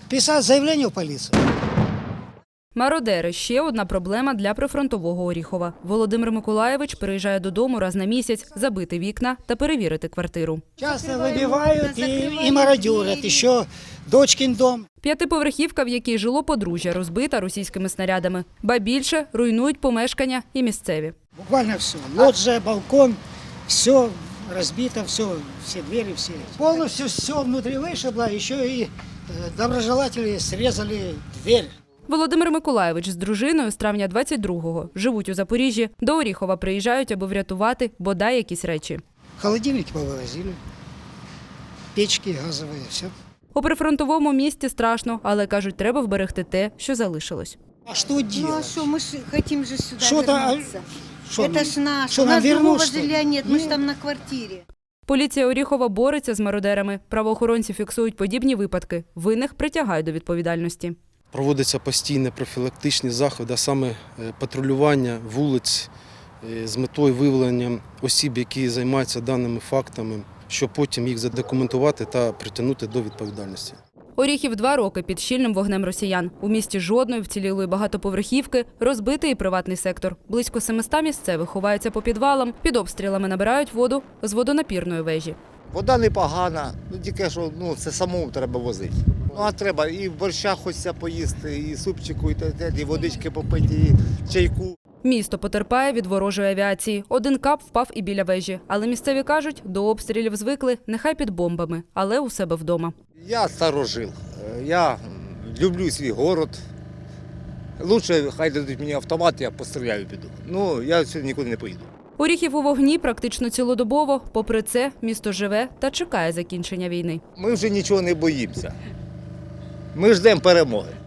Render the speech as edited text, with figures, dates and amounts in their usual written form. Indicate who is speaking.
Speaker 1: Писать заявление в полицию.
Speaker 2: Мародери – ще одна проблема для прифронтового Оріхова. Володимир Миколаєвич приїжджає додому раз на місяць забити вікна та перевірити квартиру.
Speaker 1: Часто выбивают и мародерят. Еще дочкин дом.
Speaker 2: П'ятиповерхівка, в якій жило подружжя, розбита російськими снарядами. Ба більше – руйнують помешкання і місцеві.
Speaker 1: Буквально все. Лоджия, балкон, все разбито, все двери, все. Полностью все внутри вышибло, еще и доброжелатели срезали дверь.
Speaker 2: Володимир Миколаєвич з дружиною з травня 22-го живуть у Запоріжжі. До Оріхова приїжджають, аби врятувати бодай якісь речі.
Speaker 1: Холодильники повывозили, печки газовые, все.
Speaker 2: У прифронтовому місті страшно, але, кажуть, треба вберегти те, що залишилось.
Speaker 1: А что
Speaker 3: Ну а
Speaker 1: делать?
Speaker 3: что, мы ж хотим же сюда
Speaker 1: Что-то,
Speaker 3: вернуться.
Speaker 1: Что,
Speaker 3: Это ж наше.
Speaker 1: что,
Speaker 3: У
Speaker 1: нам
Speaker 3: нас другого
Speaker 1: вернуть, что ли?
Speaker 3: жилья нет, мы ж
Speaker 1: Нет.
Speaker 3: там на квартире.
Speaker 2: Поліція Оріхова бореться з мародерами. Правоохоронці фіксують подібні випадки. Винних притягають до відповідальності.
Speaker 4: Проводяться постійні профілактичні заходи, а саме патрулювання вулиць з метою виявлення осіб, які займаються даними фактами, щоб потім їх задокументувати та притягнути до відповідальності.
Speaker 2: Оріхів 2 роки під щільним вогнем росіян. У місті жодної вцілілої багатоповерхівки, розбитий і приватний сектор. Близько 700 місцевих ховаються по підвалам, під обстрілами набирають воду з водонапірної вежі.
Speaker 5: Вода непогана, тільки що це самому треба возити. Ну а треба і борща хочеться поїсти, і супчику, і водички попити, і чайку.
Speaker 2: Місто потерпає від ворожої авіації. Один кап впав і біля вежі. Але місцеві кажуть, до обстрілів звикли, нехай під бомбами, але у себе вдома.
Speaker 5: Я старожил, я люблю свій город. Лучше хай дадуть мені автомат, я постріляю піду. Ну, я сьогодні нікуди не поїду.
Speaker 2: Оріхів у вогні практично цілодобово. Попри це, місто живе та чекає закінчення війни.
Speaker 5: Ми вже нічого не боїмося. Ми ждемо перемоги.